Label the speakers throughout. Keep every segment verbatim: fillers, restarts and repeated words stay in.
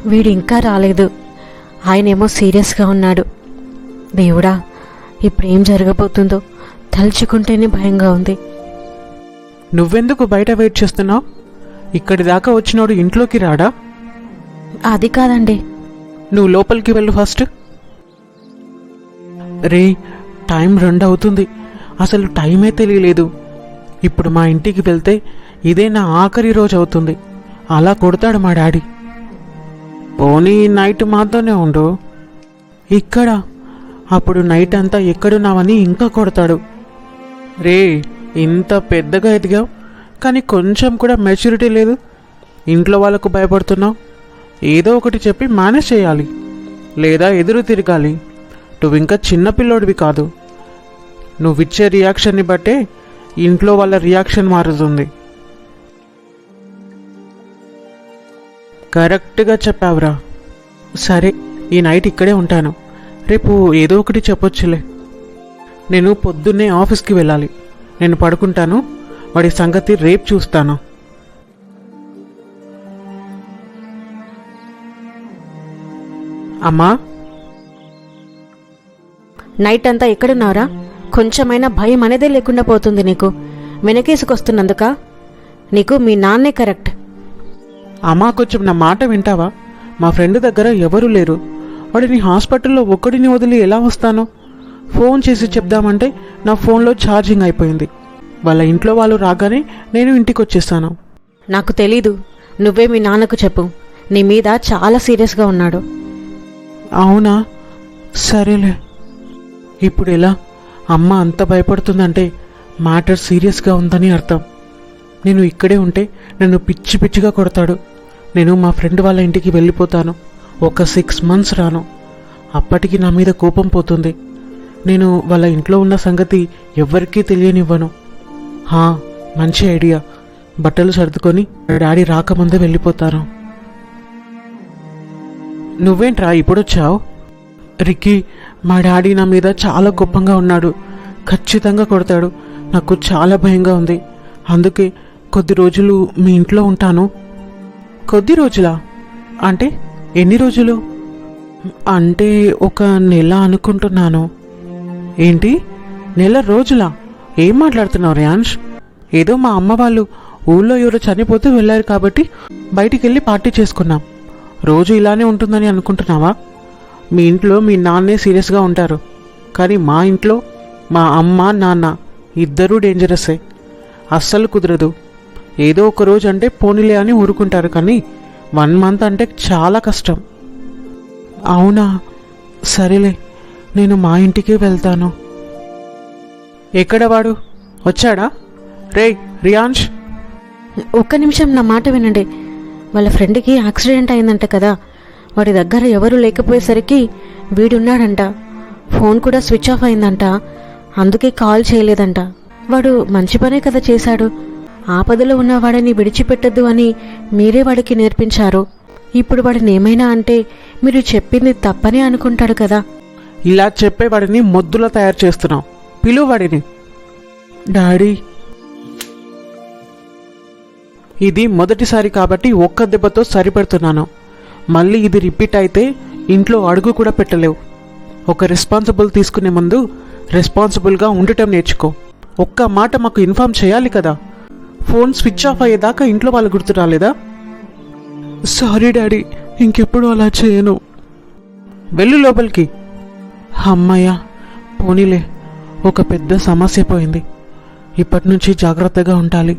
Speaker 1: వీడు ఇంకా రాలేదు. ఆయనేమో సీరియస్గా ఉన్నాడు. దేవుడా, ఇప్పుడేం జరగబోతుందో తలుచుకుంటేనే భయంగా ఉంది.
Speaker 2: నువ్వెందుకు బయట వెయిట్ చేస్తున్నావు? ఇక్కడి దాకా వచ్చినోడు ఇంట్లోకి రాడా?
Speaker 1: అది కాదండి.
Speaker 2: నువ్వు లోపలికి వెళ్ళు ఫస్ట్. రే, టైం రెండు అవుతుంది. అసలు టైమే తెలియలేదు. ఇప్పుడు మా ఇంటికి వెళ్తే ఇదే నా ఆఖరి రోజు అవుతుంది. అలా కొడతాడు మా డాడీ. పోనీ నైట్ మాతోనే ఉండు. ఇక్కడ అప్పుడు నైట్ అంతా ఎక్కడున్నావని ఇంకా కొడతాడు. రే, ఇంత పెద్దగా ఎదిగావు కానీ కొంచెం కూడా మెచ్యూరిటీ లేదు. ఇంట్లో వాళ్ళకు భయపడుతున్నావు. ఏదో ఒకటి చెప్పి మేనేజ్ చేయాలి, లేదా ఎదురు తిరగాలి. నువ్వు ఇంకా చిన్నపిల్లోడివి కాదు. నువ్విచ్చే రియాక్షన్ని బట్టే ఇంట్లో వాళ్ళ రియాక్షన్ మారుతుంది. కరెక్ట్గా చెప్పావురా. సరే, ఈ నైట్ ఇక్కడే ఉంటాను. రేపు ఏదో ఒకటి చెప్పొచ్చులే. నేను పొద్దున్నే ఆఫీస్కి వెళ్ళాలి. నేను పడుకుంటాను. వాడి సంగతి రేపు చూస్తాను. అమ్మా,
Speaker 1: నైట్ అంతా ఎక్కడున్నారా? కొంచెమైనా భయం అనేదే లేకుండా పోతుంది నీకు. వెనకేసుకొస్తున్నందుక? నీకు మీ నాన్నే కరెక్ట్.
Speaker 2: అమ్మా, కొంచెం నా మాట వింటావా? మా ఫ్రెండ్ దగ్గర ఎవరూ లేరు. వాడిని హాస్పిటల్లో ఒక్కడిని వదిలి ఎలా వస్తాను? ఫోన్ చేసి చెప్దామంటే నా ఫోన్లో ఛార్జింగ్ అయిపోయింది. వాళ్ళ ఇంట్లో వాళ్ళు రాగానే నేను ఇంటికి వచ్చేస్తాను.
Speaker 1: నాకు తెలీదు. నువ్వే మీ నాన్నకు చెప్పు. నీ మీద చాలా సీరియస్గా ఉన్నాడు.
Speaker 2: అవునా? సరేలే. ఇప్పుడు ఎలా? అమ్మ అంత భయపడుతుందంటే మ్యాటర్ సీరియస్గా ఉందని అర్థం. నేను ఇక్కడే ఉంటే నన్ను పిచ్చి పిచ్చిగా కొడతాడు. నేను మా ఫ్రెండ్ వాళ్ళ ఇంటికి వెళ్ళిపోతాను. ఒక సిక్స్ మంత్స్ రాను. అప్పటికి నా మీద కోపం పోతుంది. నేను వాళ్ళ ఇంట్లో ఉన్న సంగతి ఎవ్వరికీ తెలియనివ్వను. హా, మంచి ఐడియా. బట్టలు సర్దుకొని డాడీ రాకముందే వెళ్ళిపోతాను. నువ్వేంట్రా ఇప్పుడొచ్చావు? రిక్కీ, మా డాడీ నా మీద చాలా కోపంగా ఉన్నాడు. ఖచ్చితంగా కొడతాడు. నాకు చాలా భయంగా ఉంది. అందుకే కొద్ది రోజులు మీ ఇంట్లో ఉంటాను. కొద్ది రోజులా? అంటే ఎన్ని రోజులు? అంటే ఒక నెల అనుకుంటున్నాను. ఏంటి, నెల రోజులా? ఏం మాట్లాడుతున్నావు రియాన్ష్? ఏదో మా అమ్మ వాళ్ళు ఊళ్ళో ఎవరో చనిపోతే వెళ్ళారు కాబట్టి బయటికి వెళ్ళి పార్టీ చేసుకున్నాం. రోజు ఇలానే ఉంటుందని అనుకుంటున్నావా? మీ ఇంట్లో మీ నాన్నే సీరియస్గా ఉంటారు, కానీ మా ఇంట్లో మా అమ్మ నాన్న ఇద్దరూ డేంజరస్సే. అస్సలు కుదరదు. ఏదో ఒక రోజు అంటే పోనీలే అని ఊరుకుంటారు, కానీ వన్ మంత్ అంటే చాలా కష్టం. అవునా? సరేలే, నేను మా ఇంటికి వెళ్తాను. ఎక్కడ వాడు? వచ్చాడా? రే రియాన్ష్,
Speaker 1: ఒక్క నిమిషం నా మాట వినండి. వాళ్ళ ఫ్రెండ్కి యాక్సిడెంట్ అయిందంట కదా. వాడి దగ్గర ఎవరూ లేకపోయేసరికి వీడున్నాడంట. ఫోన్ కూడా స్విచ్ ఆఫ్ అయిందంట. అందుకే కాల్ చేయలేదంట. వాడు మంచి పనే కదా చేశాడు. ఆపదలో ఉన్న వాడిని విడిచిపెట్టద్దు అని మీరే వాడికి నేర్పించారు. ఇప్పుడు వాడిని ఏమైనా అంటే మీరు చెప్పింది తప్పనే అనుకుంటాడు కదా.
Speaker 2: ఇలా చెప్పేవాడిని మొద్దులా తయారు చేస్తున్నావు. పిలువు వాడిని. డాడీ, ఇది మొదటిసారి కాబట్టి ఒక్క దెబ్బతో సరిపెడుతున్నాను. మళ్ళీ ఇది రిపీట్ అయితే ఇంట్లో అడుగు కూడా పెట్టలేవు. ఒక రెస్పాన్సిబుల్ తీసుకునే ముందు రెస్పాన్సిబుల్గా ఉండటం నేర్చుకో. ఒక్క మాట మాకు ఇన్ఫార్మ్ చేయాలి కదా. ఫోన్ స్విచ్ ఆఫ్ అయ్యేదాకా ఇంట్లో వాళ్ళు గుర్తు రాలేదా? సారీ డాడీ, ఇంకెప్పుడు అలా చేయను. వెళ్ళు లోపలికి. అమ్మయ్య, పోనీలే, ఒక పెద్ద సమస్య పోయింది. ఇప్పటి నుంచి జాగ్రత్తగా ఉండాలి.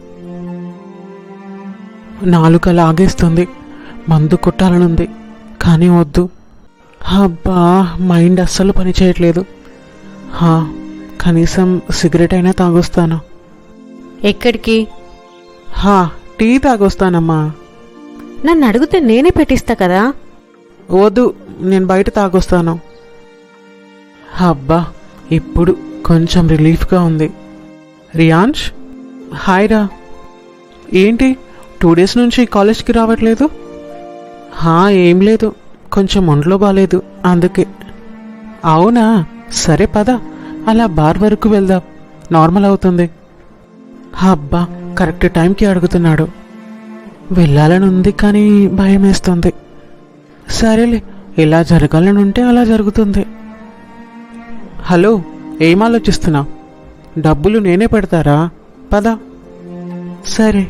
Speaker 2: నాలుక లాగేస్తుంది. మందు కొట్టాలనుంది, కానీ వద్దు. అబ్బా, మైండ్ అస్సలు పని చేయట్లేదు. హా, కనీసం సిగరెట్ అయినా తాగొస్తాను.
Speaker 1: ఎక్కడికి?
Speaker 2: హా, టీ తాగొస్తానమ్మా.
Speaker 1: నన్ను అడిగితే నేనే పెట్టిస్తా కదా.
Speaker 2: వద్దు, నేను బయట తాగొస్తాను. అబ్బా, ఇప్పుడు కొంచెం రిలీఫ్గా ఉంది. రియాన్ష్, హాయ్ రా. ఏంటి టూ డేస్ నుంచి కాలేజ్కి రావట్లేదు? హా, ఏం లేదు, కొంచెం ఒంట్లో బాగాలేదు అందుకే. అవునా? సరే పద, అలా బార్ వరకు వెళ్దాం, నార్మల్ అవుతుంది. అబ్బా, కరెక్ట్ టైంకి అడుగుతున్నాడు. వెళ్ళాలని ఉంది కానీ భయం వేస్తుంది. సరేలే, ఎలా జరగాలని ఉంటే అలా జరుగుతుంది. హలో, ఏం ఆలోచిస్తున్నావు? డబ్బులు నేనే పెడతారా? పద. సరే.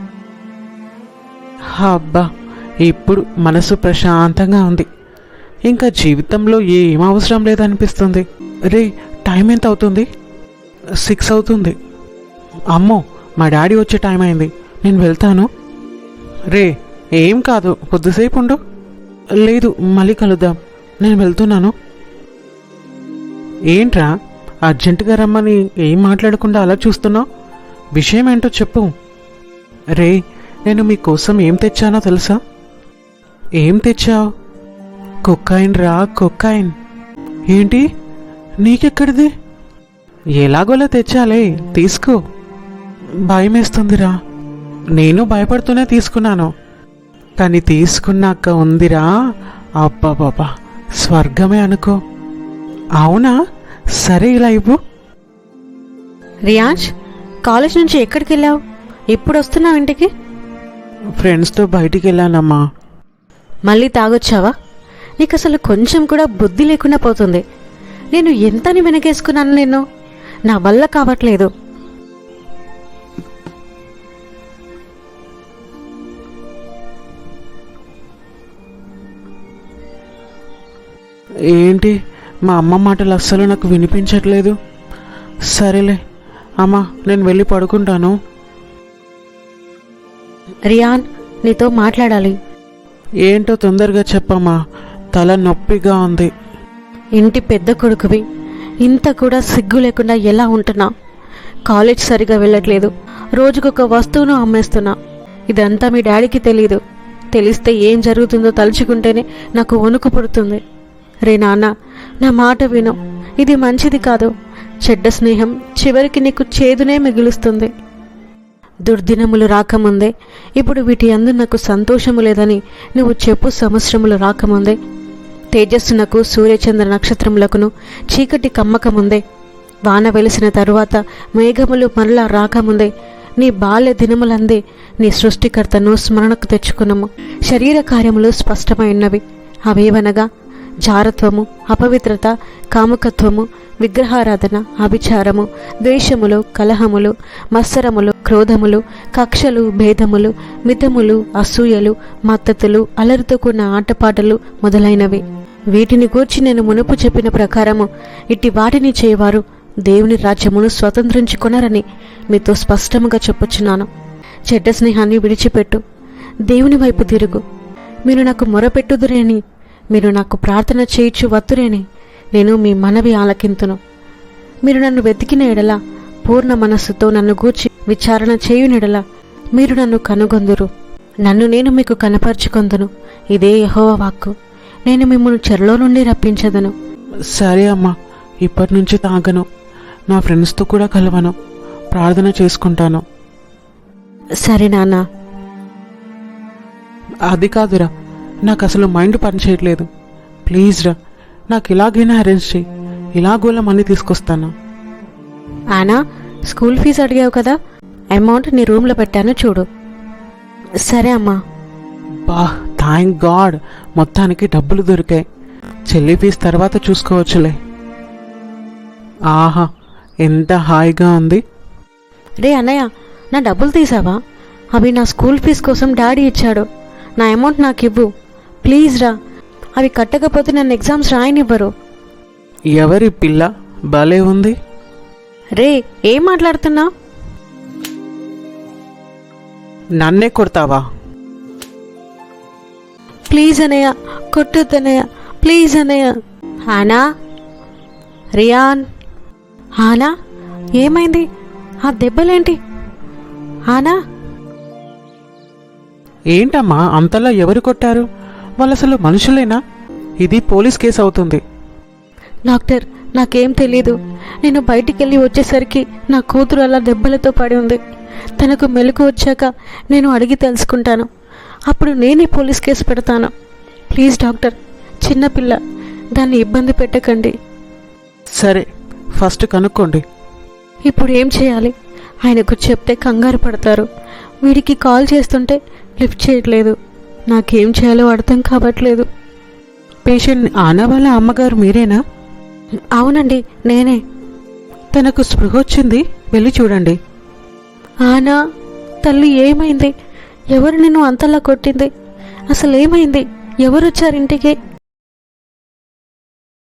Speaker 2: అబ్బా, ఇప్పుడు మనసు ప్రశాంతంగా ఉంది. ఇంకా జీవితంలో ఏం అవసరం లేదనిపిస్తుంది. రే, టైం ఎంత అవుతుంది? సిక్స్ అవుతుంది. అమ్మో, మా డాడీ వచ్చే టైం అయింది. నేను వెళ్తాను. రే, ఏం కాదు, కొద్దిసేపు ఉండు. లేదు, మళ్ళీ కలుద్దాం. నేను వెళ్తున్నాను. ఏంట్రా, అర్జెంటుగా రమ్మని ఏం మాట్లాడకుండా అలా చూస్తున్నావు? విషయం ఏంటో చెప్పు. రే, నేను మీకోసం ఏం తెచ్చానో తెలుసా? ఏం తెచ్చావు? కొక్కాయిన్ రా, కొక్కాయిన్. ఏంటి, నీకెక్కడిది? ఎలాగోలా తెచ్చాలే, తీసుకో. భయం వేస్తుందిరా. నేను భయపడుతూనే తీసుకున్నాను, కానీ తీసుకున్నాక ఉందిరా, అబ్బాబాబా, స్వర్గమే అనుకో. అవునా? సరే, ఇలా ఇవ్వు.
Speaker 1: రియాజ్, కాలేజ్ నుంచి ఎక్కడికి వెళ్ళావు? ఎప్పుడు వస్తున్నావు ఇంటికి?
Speaker 2: ఫ్రెండ్స్తో బయటికి వెళ్ళానమ్మా.
Speaker 1: మళ్ళీ తాగొచ్చావా? నీకు అసలు కొంచెం కూడా బుద్ధి లేకుండా పోతుంది. నేను ఎంతని వెనకేసుకున్నాను నేను, నా వల్ల కావట్లేదు.
Speaker 2: ఏంటి, మా అమ్మ మాటలు అస్సలు నాకు వినిపించట్లేదు. సరేలే అమ్మా, నేను వెళ్ళి పడుకుంటాను.
Speaker 1: రియాన్, నీతో మాట్లాడాలి.
Speaker 2: ఏంటో తొందరగా చెప్పమ్మా, తల నొప్పిగా ఉంది.
Speaker 1: ఇంటి పెద్ద కొడుకువి, ఇంత కూడా సిగ్గు లేకుండా ఎలా ఉంటున్నా? కాలేజ్ సరిగా వెళ్ళట్లేదు, రోజుకొక వస్తువును అమ్మేస్తున్నా. ఇదంతా మీ డాడీకి తెలీదు. తెలిస్తే ఏం జరుగుతుందో తలుచుకుంటేనే నాకు వణుకు పుడుతుంది. రే నాన్న, నా మాట విను. ఇది మంచిది కాదు. చెడ్డ స్నేహం చివరికి నీకు చేదునే మిగులుస్తుంది. దుర్దినములు రాకముందే, ఇప్పుడు వీటి అందు నాకు సంతోషము లేదని నువ్వు చెప్పు. సంవత్సరములు రాకముందే, తేజస్సునకు సూర్యచంద్ర నక్షత్రములకును చీకటి కమ్మకముందే, వాన వెలిసిన తరువాత మేఘములు మరలా రాకముందే, నీ బాల్య దినములందే నీ సృష్టికర్తను స్మరణకు తెచ్చుకున్నాము. శరీర కార్యములు స్పష్టమైనవి. అవేవనగా జారత్వము, అపవిత్రత, కాముకత్వము, విగ్రహారాధన, అభిచారము, ద్వేషములు, కలహములు, మత్సరములు, క్రోధములు, కక్షలు, భేదములు, మితములు, అసూయలు, మత్తతులు, అలరితో కూడిన ఆటపాటలు మొదలైనవి. వీటిని గూర్చి నేను మునుపు చెప్పిన ప్రకారము ఇట్టి వాటిని చేయవారు దేవుని రాజ్యమును స్వతంత్రించుకొనరని మీతో స్పష్టముగా చెప్పుచున్నాను. చెడ్డ స్నేహాన్ని విడిచిపెట్టు, దేవుని వైపు తిరుగు. మీరు నాకు మొరపెట్టుదురేని, మీరు నాకు ప్రార్థన చేయించు వత్తురేని నేను మీ మనవి ఆలకింతును. మీరు నన్ను వెతికిన ఎడల, పూర్ణ మనస్సుతో నన్ను గూర్చి విచారణ చేయునెడల మీరు నన్ను కనుగొందురు. నన్ను నేను మీకు కనపరుచుకొందును. ఇదే యెహోవా వాక్కు. నేను మిమ్మల్ని చెరలో నుండి రప్పించదను.
Speaker 2: సరే అమ్మా, ఇప్పటి నుంచి తాగను, నా ఫ్రెండ్స్తో కూడా కలవను, ప్రార్థన చేసుకుంటాను.
Speaker 1: సరే నాన్న.
Speaker 2: అది కాదురా, నాకు అసలు మైండ్ పనిచేయట్లేదు. ప్లీజ్ రా, నాకు ఇలాగైనా అరేంజ్ చేయి. ఇలాగోలా మనీ తీసుకొస్తాను.
Speaker 1: ఆనా, స్కూల్ ఫీజు అడిగావు కదా, అమౌంట్ నీ రూమ్లో పెట్టాను చూడు. సరే అమ్మా.
Speaker 2: బా, థ్యాంక్ గాడ్, మొత్తానికి డబ్బులు దొరికాయి. చెల్లి ఫీజు తర్వాత చూసుకోవచ్చులే. ఆహా, ఎంత హాయిగా ఉంది.
Speaker 1: రే అన్నయ్య, నా డబ్బులు తీసావా? అవి నా స్కూల్ ఫీజు కోసం డాడీ ఇచ్చాడు. నా అమౌంట్ నాకు ఇవ్వు ప్లీజ్ రా. అవి కట్టకపోతే నన్ను ఎగ్జామ్స్ రాయనివ్వరు.
Speaker 2: ఎవరి పిల్ల భలే ఉంది.
Speaker 1: రే, ఏం మాట్లాడుతున్నా?
Speaker 2: నన్నే కొడతావా?
Speaker 1: ప్లీజ్ అనయ్య, కొట్టొద్దనయ్య, ప్లీజ్ అనయ్య. హానా, రియాన్. హానా, ఏమైంది? ఆ దెబ్బలేంటి? హానా.
Speaker 2: ఏంటమ్మా అంతలా ఎవరు కొట్టారు? వాళ్ళు అసలు మనుషులేనా? ఇది పోలీస్ కేసు అవుతుంది.
Speaker 1: డాక్టర్, నాకేం తెలీదు. నేను బయటికి వెళ్ళి వచ్చేసరికి నా కూతురు అలా దెబ్బలతో పడి ఉంది. తనకు మెలకు వచ్చాక నేను అడిగి తెలుసుకుంటాను. అప్పుడు నేనే పోలీస్ కేసు పెడతాను. ప్లీజ్ డాక్టర్, చిన్నపిల్ల, దాన్ని ఇబ్బంది పెట్టకండి.
Speaker 2: సరే, ఫస్ట్ కనుక్కోండి.
Speaker 1: ఇప్పుడు ఏం చేయాలి? ఆయనకు చెప్తే కంగారు పడతారు. వీడికి కాల్ చేస్తుంటే లిఫ్ట్ చేయట్లేదు. నాకేం చేయాలో అర్థం కావట్లేదు.
Speaker 2: పేషెంట్ ఆనా వాళ్ళ అమ్మగారు మీరేనా?
Speaker 1: అవునండి, నేనే.
Speaker 2: తనకు స్పృహ వచ్చింది, వెళ్ళి చూడండి.
Speaker 1: ఆనా, తల్లి ఏమైంది? ఎవరు నిన్ను అంతలా కొట్టింది? అసలు ఏమైంది? ఎవరు వచ్చారు ఇంటికి?